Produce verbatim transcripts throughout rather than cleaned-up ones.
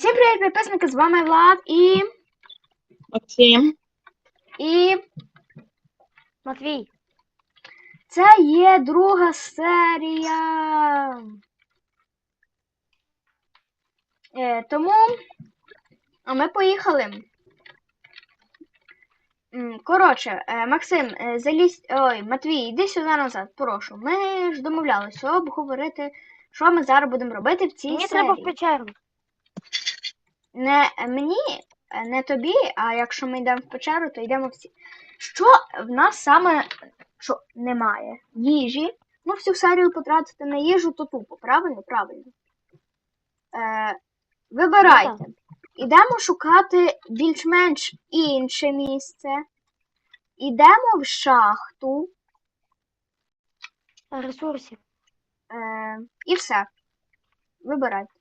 Всім привіт, підписники, з вами Влад і... Максим. І... Матвій. Це є друга серія. Е, тому... А ми поїхали. М, Коротше, е, Максим, е, залізь... Ой, Матвій, іди сюди назад, прошу. Ми ж домовлялися обговорити, що ми зараз будемо робити в цій Мені серії. треба в печеру. Не мені, не тобі, а якщо ми йдемо в печеру, то йдемо всі. Що в нас саме що немає? Їжі. Ну, всю серію потратити на їжу, то тупо, правильно? Правильно. Е, Вибирайте. Ідемо шукати більш-менш інше місце. Ідемо в шахту. Ресурсів. Е, і все. Вибирайте.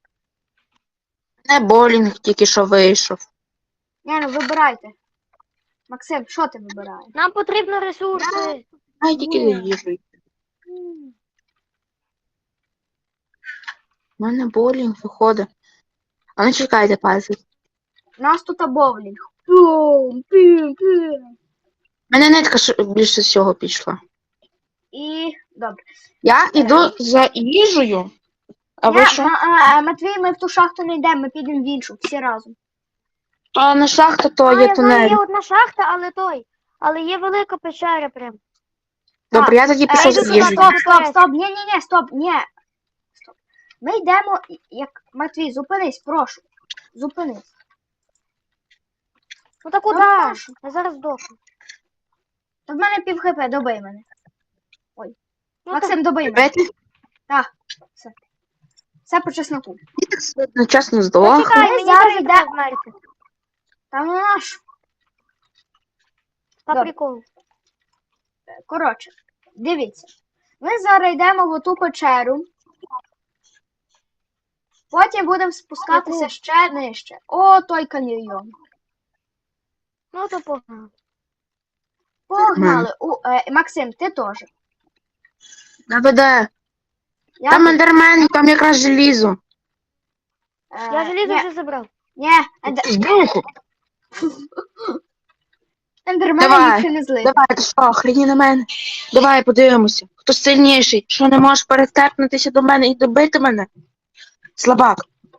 Не болінг тільки що вийшов. Ні, ну вибирайте. Максим, що ти вибираєш? Нам потрібно ресурси. Ай, тільки Ні. за їжею. У мене болінг виходить. А ну чекайте, пальці. У нас тут боулінг. Пум, пум, пум. У мене нитка ш- більше всього пішла. І добре. Я йду за їжею. А ви Ні, що? Ма- а, Матвій, ми в ту шахту не йдемо, ми підемо в іншу, всі разом. А на шахта то А, є я знаю, тунель. є одна шахта, але той. Але є велика печера прям. Добре, я тоді Е, пішов йди за сюди, їжею. стоп, стоп, стоп, ні, ні, ні, стоп, ні. Стоп. Ми йдемо, як Матвій, зупинись, прошу. Зупинись. Ну так Ну, куди? прошу. Я зараз здохну. Та в мене пів хп, добий мене. Ну, Максим, добий мене. Беті, Так, все. Все по чесноку. я так одночасно так, здох. почекай, Ми мені зараз теж йде- треба вмерти. Та ну наш. По Добре. приколу. Коротше, дивіться. Ми зараз йдемо в оту печеру. Потім будемо спускатися Яку? ще нижче. О, той каньйон. Ну то погнали. Погнали. У, е, Максим, ти теж. Наведе. Я Там тут, ендермен, там якраз желізо. е, Я желізо ні, вже забрав. ні, ендер... Збуху. ендермена Давай, їх не злити. Давай, ти що, хрені на мене. Давай подивимося. Хто сильніший? Що не можеш перетепнутися до мене і добити мене? Слабак.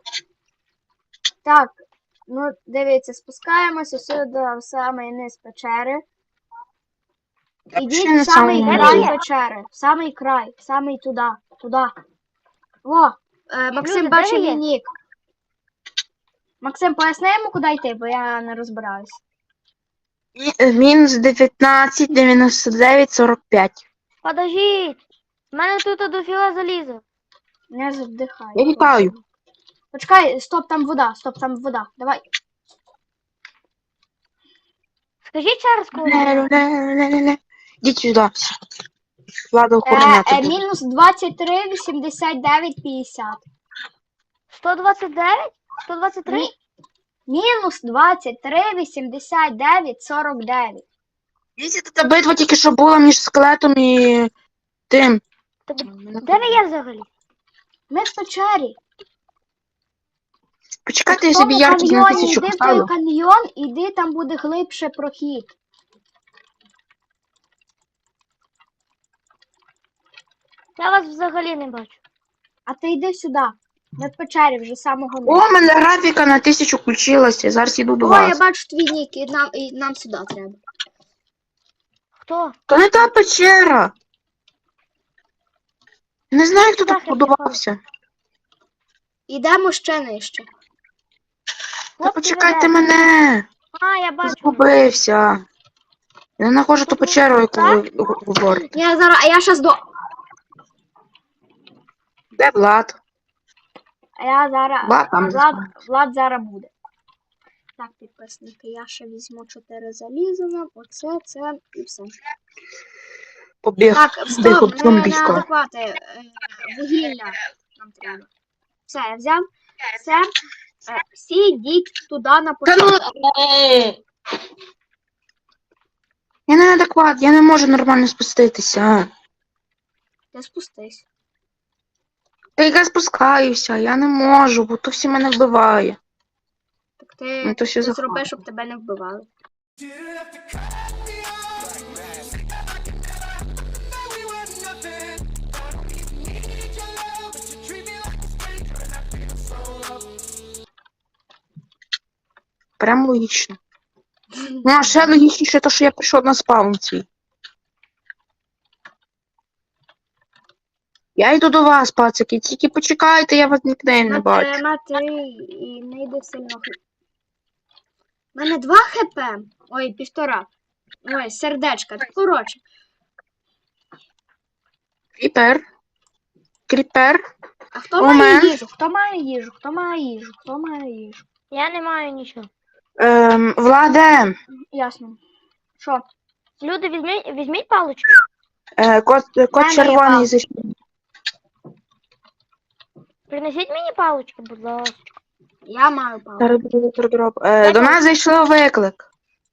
Так, ну дивіться, спускаємося сюди в самий низ печери. Ідіть ще не в самий самому край низу. печери. В самий край, в самий туди, туди. О, е, Максим Люди, бачив де ви мій є? нік. Максим, поясни йому, куди йти, бо я не розбираюсь. Мі- Мінус дев'ятнадцять, дев'яносто дев'ять, сорок п'ять. Подождіть. У мене тут дофіга заліза. Не задихай. Я вітаю. Почекай, стоп, там вода, стоп, там вода. Давай. Скажіть ще раз, коли. Ле-ле-ле-ле-ле. Ідіть сюди. Влада Е, охороняти е, буде. мінус двадцять три, вісімдесят дев'ять, п'ятдесят. сто двадцять дев'ять? сто двадцять три? Мі- Мінус двадцять три, вісімдесят дев'ять, сорок дев'ять. Дивіться, та битва тільки що була між скелетом і тим. Де ви є взагалі? Ми в печері. Почекайте, я В тому собі яркість на каньйоні тисячу йди в той поставлю. каньйон, іди, там буде глибше прохід. Я вас взагалі не бачу. А ти йди сюди. Ми в печері вже з самого О, низу. в мене графіка на тисячу включилася. Зараз іду до О, я вас. бачу твій нік, і нам, і нам сюди треба. Хто? То не та печера. Не знаю, хто Куди тут я будувався. Ідемо ще нижче. Та Хлопці, почекайте ви де? мене. А, я бачу. Згубився. Я не знаходжу ту Тут печеру, яку так? ви г- говорите. Я зараз, а я щас до... Де Влад? А я зараз... Влад там Влад, заспавнився. Влад зараз буде. Так, підписники, я ще візьму чотири заліза, оце, це і все. Побіг. Так, Біг стоп, об не, не зомбісько. адеквати. Е, Вугілля нам треба. Все, я взяв. Все. Е, Всі йдіть туди на Та початок. ну, е. Я не адекват, я не можу нормально спуститися. Ти спустись. Та я спускаюся, я не можу, бо то всі мене вбиває. Ти, Ну, то ще ти захватимо. зроби, щоб тебе не вбивали. Прям логічно. Ну, а ще логічніше, то, що я прийшов на спаун свій. Я йду до вас, пацики, тільки почекайте, я вас нікнейм не Мат, бачу. е, Матвій, і не йди сильно. У мене два хп. Ой, півтора. Ой, сердечка. Коротше. Кріпер. Кріпер. А хто У має мене. їжу? Хто має їжу? Хто має їжу? Хто має їжу? Я не маю нічого. Ем, Владе. Ясно. Що? Люди, візьміть, візьміть паличку. Е, кот, кот мене є червоний палка. зайшов. Принесіть мені палички, будь ласка. Я маю палку. Зараз буде трудроп. Е, Дай до палку. нас зайшов виклик.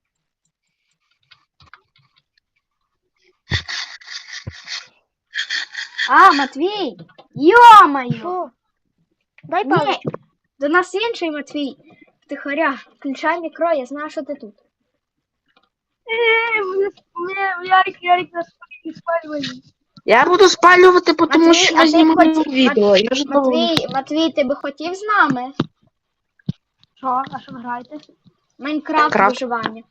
А, Матвій! Йо-моє! Що? Дай Ні, паличку. до нас інший Матвій. Втихаря, включай мікро, я знаю, що ти тут. Я буду спалювати, бо тому Матвій, що а ми ти знімаємо хотів- відео. Я ж довго- Матвій, Матвій, ти би хотів з нами? Що? А що ви граєте? Майнкрафт Майнкрафт. виживання.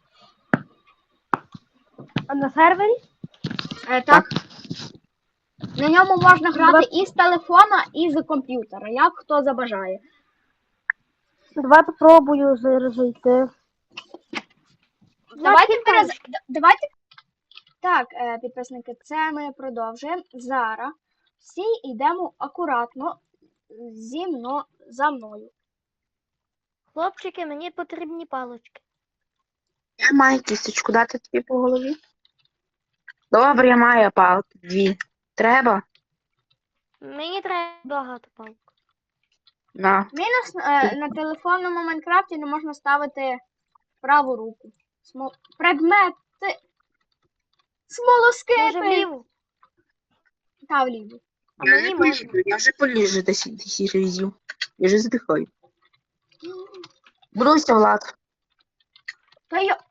А на сервері? Е, так. На ньому можна грати і з телефона, і з комп'ютера, як хто забажає. Давай попробую зараз зайти. Давайте Значить, перез... палички. д- Давайте. Так, е, підписники, це ми продовжуємо. Зараз всі йдемо акуратно зі мною за мною. Хлопчики, мені потрібні палички. Я маю кісточку дати тобі по голові. Добре, я маю палки. Дві. Треба? Мені треба багато палок. На. Мінус е, на телефонному Майнкрафті не можна ставити праву руку. Смо... Предмети. Може Смолоскипи. вліву? Та вліво. А Я мені не можна. поліжу, я вже поліжу десь десять разів. Я вже здихаю. Будуйся, Влад. Та йо.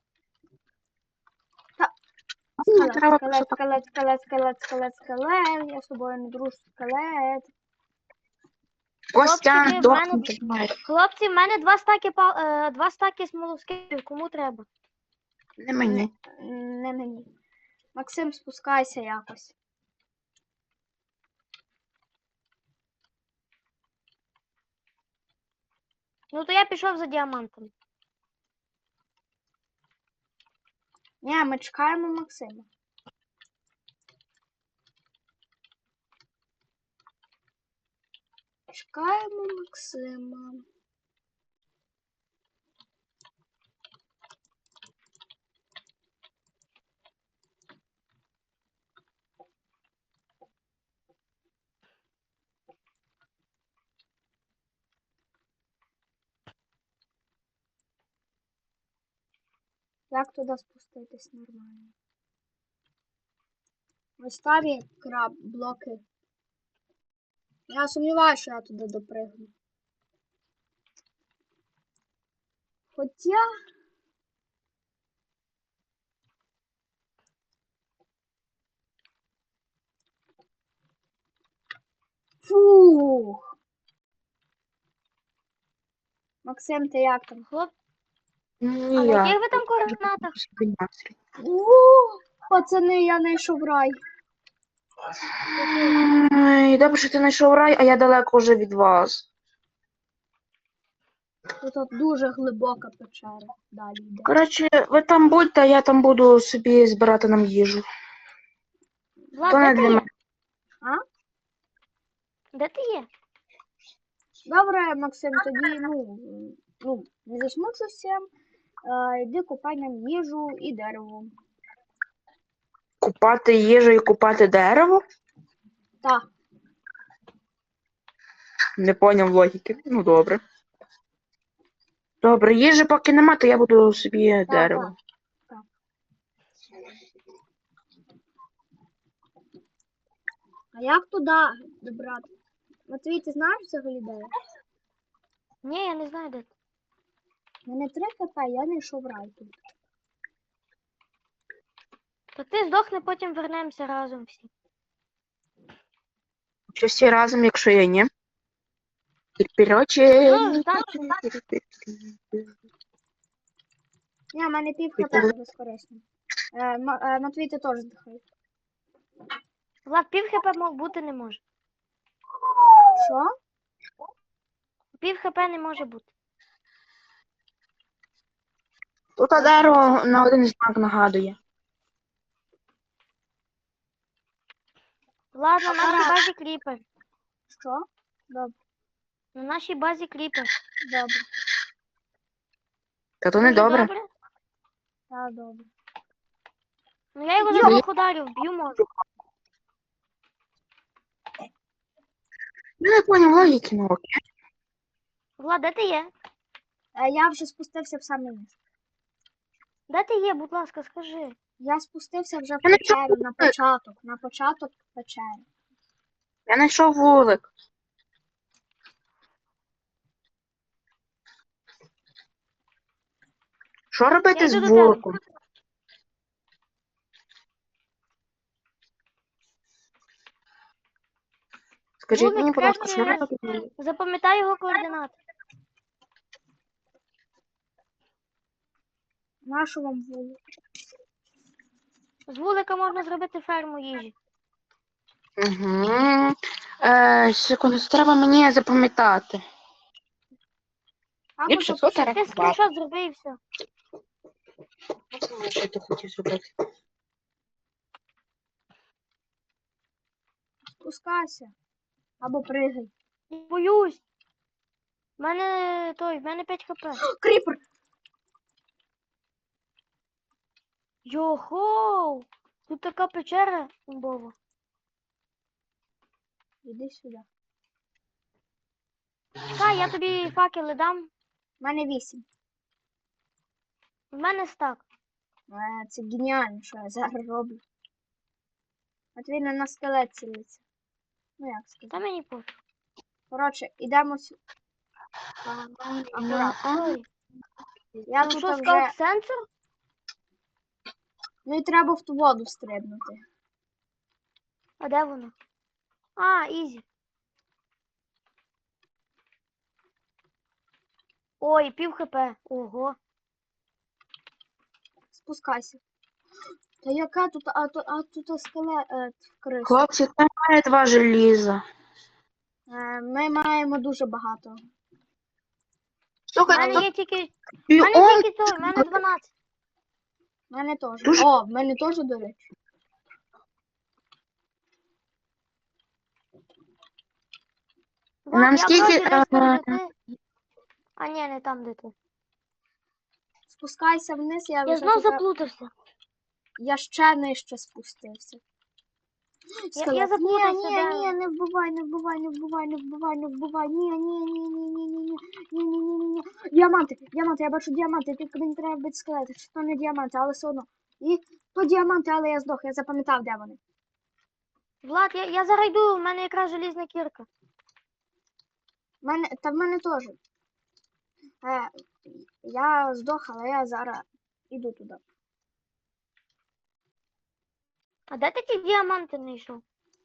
Мені Скелет, треба скелет, просто скелет, скелет, скелет, скелет, скелет. Я з тобою не дружу, скелет. Костян, Хлопчики, в дохнути. Хлопці, в мене два стаки пал... е, два стаки смолоскипів. Кому треба? Не мені. Не мені. Максим, спускайся якось. Ну то я пішов за діамантом. Ні, ми чекаємо Максима. Чекаємо Максима. Як туди спуститись нормально? Ось там є краб, блоки. Я сумніваюся, що я туди допригну. Хоча... Фух. Максим, ти як там? Хлоп... А Ні, на я. яких ви там координатах? Ууу, пацани, я знайшов рай. Ой, добре, що ти знайшов рай, а я далеко вже від вас. Тут от дуже глибока печера. Далі йде. Коротше, ви там будьте, а я там буду собі збирати нам їжу. Влад, То не де ти для є? мене. Де ти є? Добре, Максим, тоді, ну, ну, не засмучуйся. Е, йди купай нам їжу і дерево. Купати їжу і купати дерево? Так. Не поняв логіки. Ну добре. Добре, їжі поки нема, то я буду собі дерево. так. А як туди добрати? Матвій, ти знаєш взагалі де? я? Ні, я не знаю де ти. У мене три хп, я не йшов рай тут. То ти здохни, потім вернемося разом всі. Чи всі разом, якщо я ні? І вперед, чи... Ну, так. Ні, в мене пів хп не безкорисно. Е, М- е, Матвій, ти теж здихай. Влад, пів хп мо- бути не може. Що? Пів хп не може бути. Тут дерево на один знак нагадує. Влад, на нашій базі кріпер. Що? Добре, На нашій базі кріпер. добре. Та то не Дуже добре. добре. Так, добре. Ну я його за Йо. двох ударів б'ю можу. Я не поняв логіки, ну окей. Влад, де ти є? Е, Я вже спустився в самий низ. Де ти є, будь ласка, скажи. Я спустився вже в Я не печеру на початок. На початок печери. Я знайшов вулик. Що Я робити йду з до тебе. вуликом? Скажіть Вулик мені, будь ласка, краще- що робити з вуликом? Запам'ятай його координати. Нашу вам вулик. З вулика можна зробити ферму їжі. Угу. Е, секунду, це треба мені запам'ятати. Або Ліпше запиши. сотера. Ти скріншот зроби і все. Що ти хотів зробити? Спускайся. Або пригай. Я боюсь. В мене той, в мене п'ять хп. Кріпер! Йохоу! Тут така печера імбова. Іди сюди. Та, я тобі факели дам. У мене вісім. В мене стак. Е, Це геніально, що я зараз роблю. От він на скелет цілиться. Ну як Та сказати. мені пофіг. Коротше, ідемо сюди. Акуратно. Ой, Я ну тут що, вже... скаут сенсор? Ну і треба в ту воду стрибнути. А де воно? А, ізі. Ой, пів хп. Ого. Спускайся. Та яка тут, а, тут, а тут скелет е, криса. Хлопці, там має два желіза. Е, Ми маємо дуже багато. У Слухай, мене тут є тільки. У і мене он тільки той, у мене дванадцять. У мене теж. Дуже- О, в мене теж, до речі. Влад, Нам я скільки, вроді десь там, е, де ти. А ні, не там, де ти. Спускайся вниз, я Я вже знов тут- заплутався. Я ще нижче спустився. Я, Скелет. я Ні, заплутався, ні, де. ні, не вбивай, не вбивай, не вбивай, не вбивай, не вбивай. Ні, ні, ні, ні, ні, ні, ні, ні, ні, ні, ні, ні. Діаманти, діаманти, я бачу діаманти, тільки мені треба бити скелети. Чи то не діаманти, але все одно. І то діаманти, але я здох, я запам'ятав, де вони. Влад, я, я зараз йду, в мене якраз желізна кірка. В мене, та в мене теж. Е, я здох, але я зараз іду туди. А де ти ті діаманти знайшов?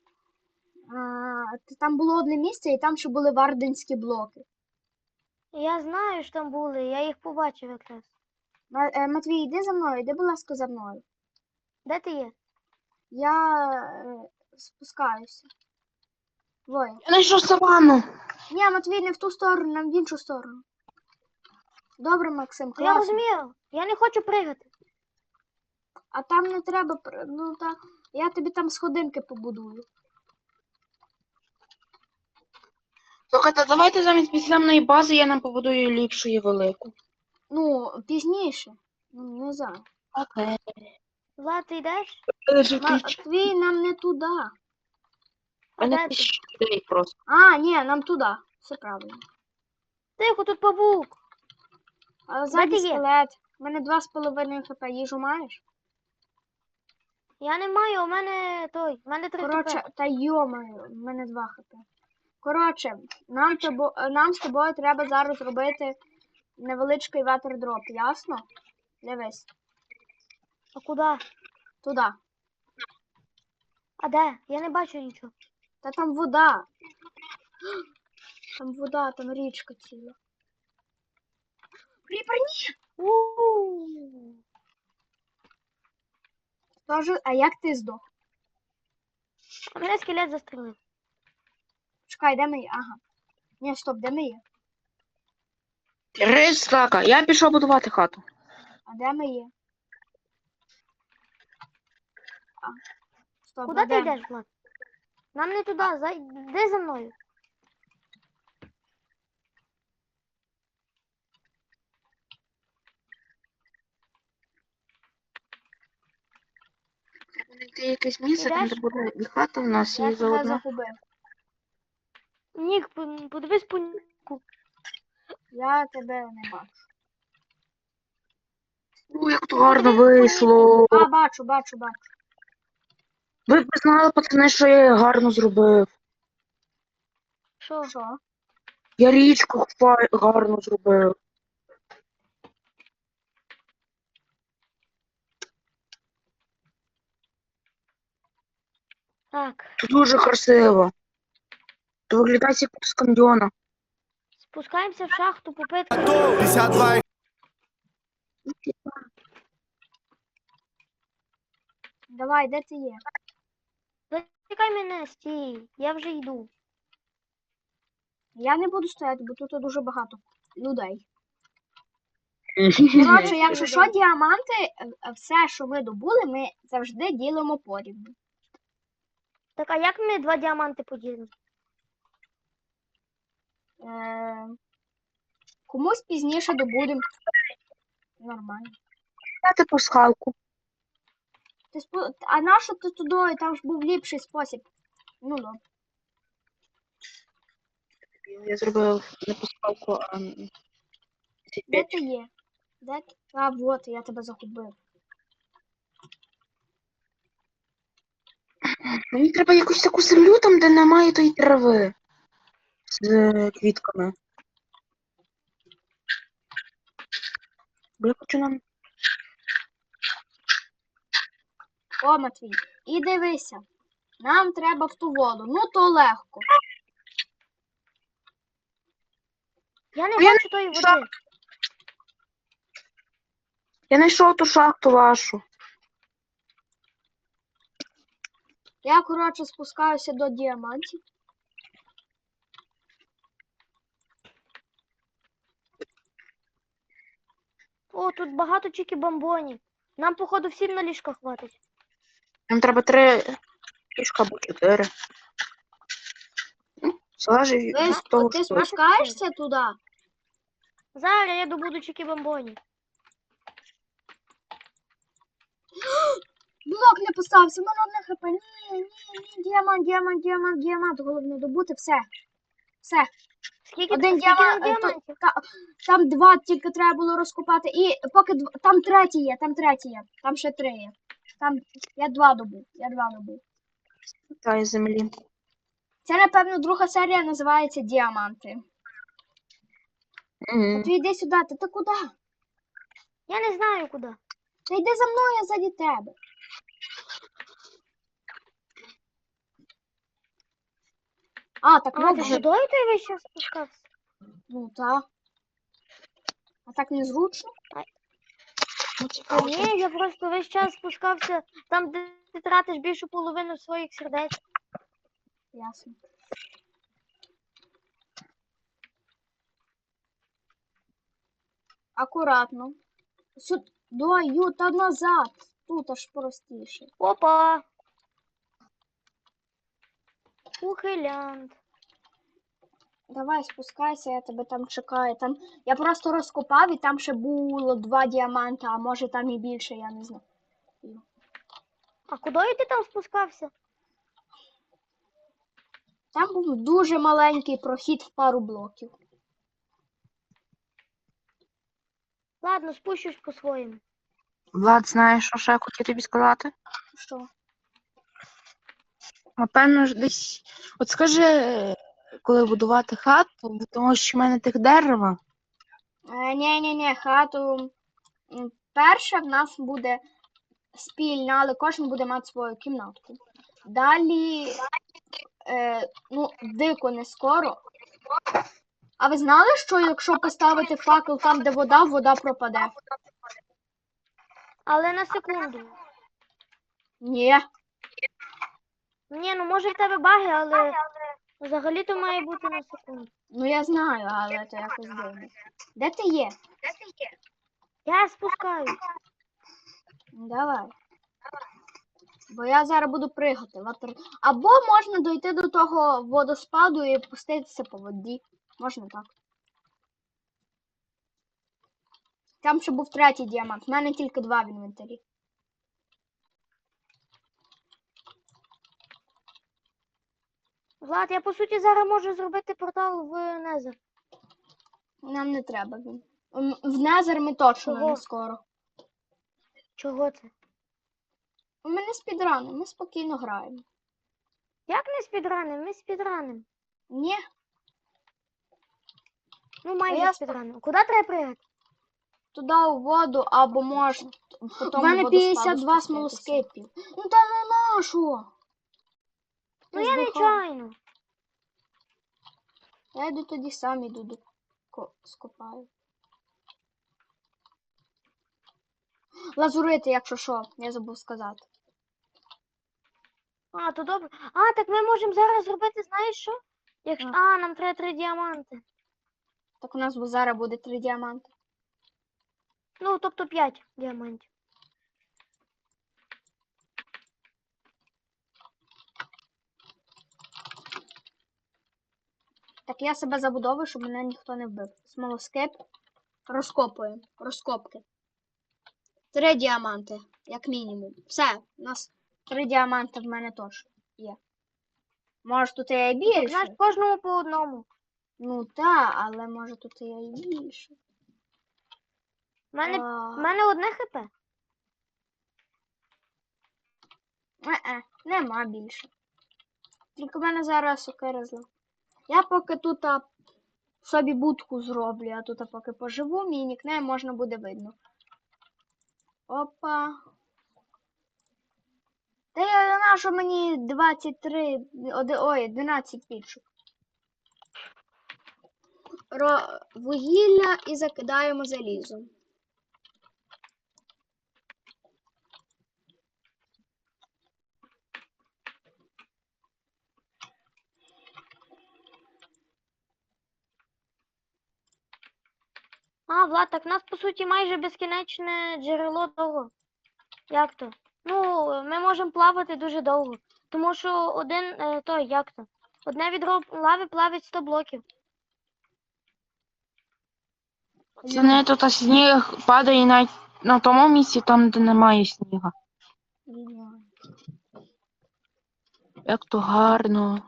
А, т- там було одне місце, і там ще були варденські блоки. Я знаю, що там були, я їх побачив якраз. Ма- е, Матвій, йди за мною, йди, будь ласка, за мною. Де ти є? Я е, спускаюся. Двоє. я знайшов саванну. Ні, Матвій, не в ту сторону, нам в іншу сторону. Добре, Максим, Я класно. розумію, я не хочу пригати. А там не треба, пр- ну та я тобі там сходинки побудую. Слухайте, давайте замість підземної бази я нам побудую ліпшу і велику. Ну, пізніше. Ну, не знаю. Окей. Влад, ти йдеш? Матвій, нам не туди. А Мене де ти? тисяча людей просто. А, ні, нам туди. Все правильно. Тихо, тут павук. А ззаді ти є? скелет. У мене два з половиною хп. Їжу маєш? Я не маю, у мене той, у мене три Коротше, хп. та йомаю, в мене два хп. Коротше, нам, тобо, нам з тобою треба зараз робити невеличкий ватердроп, ясно? Дивись, А куди? туди. А де? Я не бачу нічого. Та там вода. Там вода, там річка ціла. Кріпер, ні! У-у-у. Тож, а як ти здох? А мене скелет застрелив. Чекай, де ми є? Ага. Ні, стоп, де ми є? Три стака. Я пішов будувати хату. А де ми є? А. Стоп, Куди а ти де? йдеш, Влад? Нам не туди, за... Йди за мною. Треба знайти якесь місце, там де Ідеш? буде і хата в нас, Я і тебе заодно. загубив. Нік, по- подивись по Ніку. Я тебе не бачу. Ну, як то гарно вийшло. А, бачу, бачу, бачу. Ви б знали, пацани, що я гарно зробив. Що? Що? Я річку фай- гарно зробив. Так, Це дуже красиво. Це виглядає як з каньйона. спускаємося в шахту, попитки. пятьдесят два. Давай, де ти є? Чекай мене, стій. Я вже йду. Я не буду стояти, бо тут дуже багато людей. Коротше, Коротше, я якщо вже що, йду. діаманти, е, все, що ми добули, ми завжди ділимо порівну. Так, а як ми два діаманти поділимо? Е, комусь пізніше добудемо. Нормально. Дати пасхалку. Ти спо... А нащо ти туди? Там ж був ліпший спосіб. Ну, добре. Я зробив не пасхалку, а м, Де ти є? Де ти? А, вот, я тебе загубив. мені треба якусь таку землю там, де немає тої трави. З е, квітками. Бо я хочу нам. О, Матвій, і дивися. Нам треба в ту воду. Ну, то легко. Я не А я бачу тої води. Я знайшов ту шахту вашу. Я, коротше, спускаюся до діамантів. О, тут багато чікі-бомбонів. Нам, походу, всім на ліжка хватить. Нам треба три ліжка або чотири. Ну, залежить Ти, від сп- того, ти що. спускаєшся туди? Зараз я добуду чікі-бомбонів. Блок не поставився, в мене одне хп. Ні, ні, ні, діамант, діамант, діамант, діамант. Головне добути, все. Все. Скільки, Один скільки нам діамант, е, то- діамантів? та- там два тільки треба було розкопати. І поки дв- там третій є, там третій є. Там ще три є. Там я два добув. Я два добув. Та із землі. Це, напевно, друга серія називається Діаманти. Угу. Ти йди сюди, ти, ти куди? Я не знаю куди. Та йди за мною, я ззаді тебе. А, так А, ти можна. водою той весь час спускався? Ну так. А так незручно. Та ні, я просто весь час спускався там, де ти тратиш більшу половину своїх сердець. Ясно. Акуратно. Сюди, ю, та назад. Тут аж простіше. Опа! Ухилянт. Давай спускайся, я тебе там чекаю. Там... Я просто розкопав і там ще було два діаманта, а може там і більше, я не знаю. А куди ти там спускався? Там був дуже маленький прохід в пару блоків. Ладно, спущусь по-своєму. Влад, знаєш, що ще я хотів тобі сказати? Що? Напевно ж десь. От скажи, коли будувати хату, бо тому що в мене тих дерева. Е, ні, ні, ні, хату. м, Перша в нас буде спільна, але кожен буде мати свою кімнатку. Далі, е, ну, дико не скоро. А ви знали, що якщо поставити факел там, де вода, вода пропаде? Але на секунду. Ні. Ні, ну може в тебе баги, але взагалі-то має бути на секунду. Ну я знаю, але це якось дивно. Де ти є? Я спускаюсь. Давай. Бо я зараз буду пригати. Ватер... Або можна дойти до того водоспаду і пуститися по воді. Можна так. Там ще був третій діамант. У мене тільки два в інвентарі. Влад, я по суті зараз можу зробити портал в Незер. Нам не треба він. М, В Незер ми точно Чого? не скоро. Чого це? У мене спідрани, ми спокійно граємо. Як не спідраним? Ми спідраним. Ні, Ну майже я спідраним. Куди треба пригати? туди у воду або можна. У тому мене водоспаду п'ятдесят два спуститися. смолоскипів. Ну та ну на що? Ну Ти я здихав. нечайно. Я йду тоді сам іду до ко- скопаю. Лазурити, якщо що, я забув сказати. А, то добре. А, так ми можемо зараз зробити, знаєш що? Якщо... А. А, нам треба три діаманти. Так у нас бо зараз буде три діаманти. Ну, тобто п'ять діамантів. Так я себе забудовую, щоб мене ніхто не вбив. Смолоскип. Розкопуємо. Розкопки. Три діаманти, як мінімум. Все, у нас три діаманти в мене точно є. Може тут є і Так, знаєш, більше? кожному по одному. Ну так, але може тут є і більше. У мене, А, в мене одне хп. Е-е, нема більше. Тільки в мене зараз сокира зла. Я поки тут а, собі будку зроблю, а тут а, поки поживу, мій нікнейм можна буде видно. Опа. Та я знаю, що мені двадцять три, оди- ой, дванадцять пічок. Ро... Вугілля і закидаємо залізом. А, Влад, так в нас по суті майже безкінечне джерело того. Як то? Ну, ми можемо плавати дуже довго. Тому що один е, той, як то? Одне відро лави плавить сто блоків. Це не тут а сніг падає навіть на тому місці, там, де немає сніга. Ідеально. Як то гарно.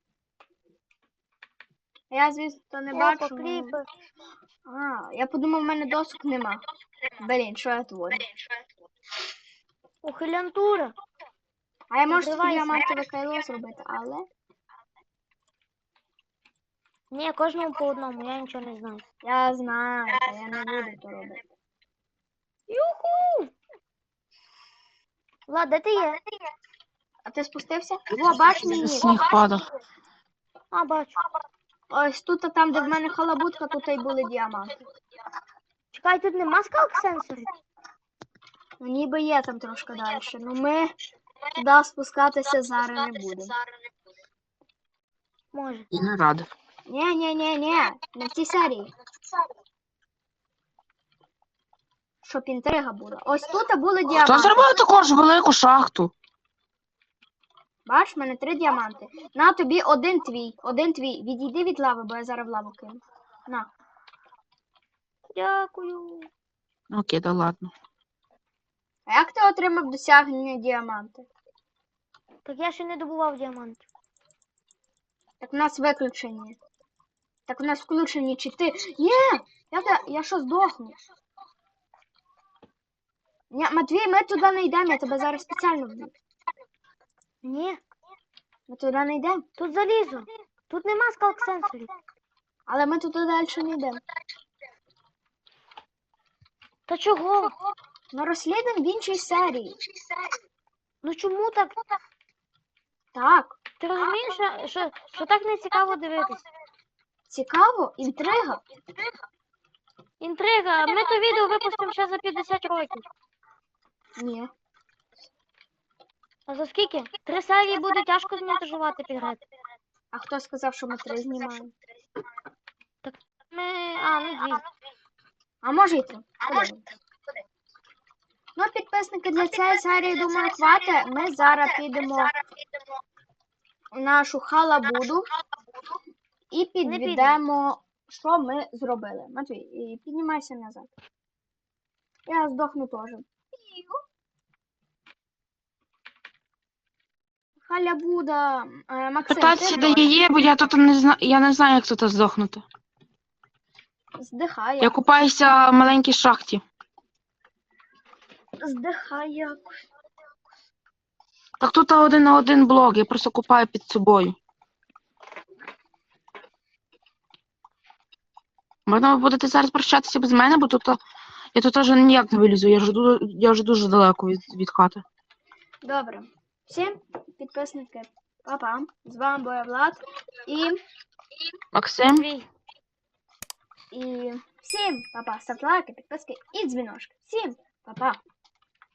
Я, звісно, не Опа, бачу. ну, кріпер. А, я подумав, в мене досок нема. Блін, що я творю? Ухилянтура. А я можу собі Відривайся. діамантове кайло зробити, але Ні, кожному по одному, я нічого не знаю. я знаю, та я не буду то робити. Юху! Влад, де ти є? А ти спустився? О, бач мій нік. Сніг падав. А, бачу. Ось тут, а там, де в мене халабутка, тут і були діаманти. Чекай, тут нема скалк сенсорів? Ну, ніби є там трошки далі. Ну ми туди спускатися зараз не будемо. Може. І не радив. Ні, ні, ні, ні, не в цій серії. Щоб інтрига була. Ось тут були Хто діаманти. зробив таку ж велику шахту? Бач, в мене три діаманти. На тобі один твій, один твій. Відійди від лави, бо я зараз в лаву кину. На. Дякую. Окей, да ладно. А як ти отримав досягнення діаманти? Так я ще не добував діамантів. Так у нас виключені. Так у нас включені чи ти. Ні! Я, я, я що здохну? Ні, Матвій, ми туди не йдемо, я тебе зараз спеціально вб'ю. Ні, Ми туди не йдемо. тут залізо. Тут нема скалк сенсорів. Але ми туди далі не йдемо. Та чого? Ну розслідуємо в іншій серії. Ну чому так? Так, Ти розумієш, що, що, що так не цікаво дивитись? цікаво, інтрига. Інтрига, ми то відео випустимо ще за п'ятдесят років. Ні. А за скільки? Три серії буде тяжко змонтажувати підряд. А хто сказав, що ми три знімаємо? Ми. А, ну дві. А може й три. Подивимось. Ну, підписники, для цієї серії, думаю, хватить. Ми зараз підемо в нашу халабуду і підведемо, що ми зробили. Матвій, і піднімайся назад. Я здохну теж. Халябуда. Е, Максим, Питатися, ти де теж. я є, бо я тут не знаю, я не знаю, як тут здохнути. Здихай. Я купаюся в маленькій шахті. Здихай якось. Так тут один на один блок, я просто купаю під собою. Можна ви будете зараз прощатися без мене, бо тут я тут теж ніяк не вилізу, я вже, ду- я вже дуже далеко від, від хати. Добре. Всім підписники, па-па. З вами був Влад. І, Максим, Дві. і всім па-па. Ставте лайки, підписки і дзвіночки. Всім па-па.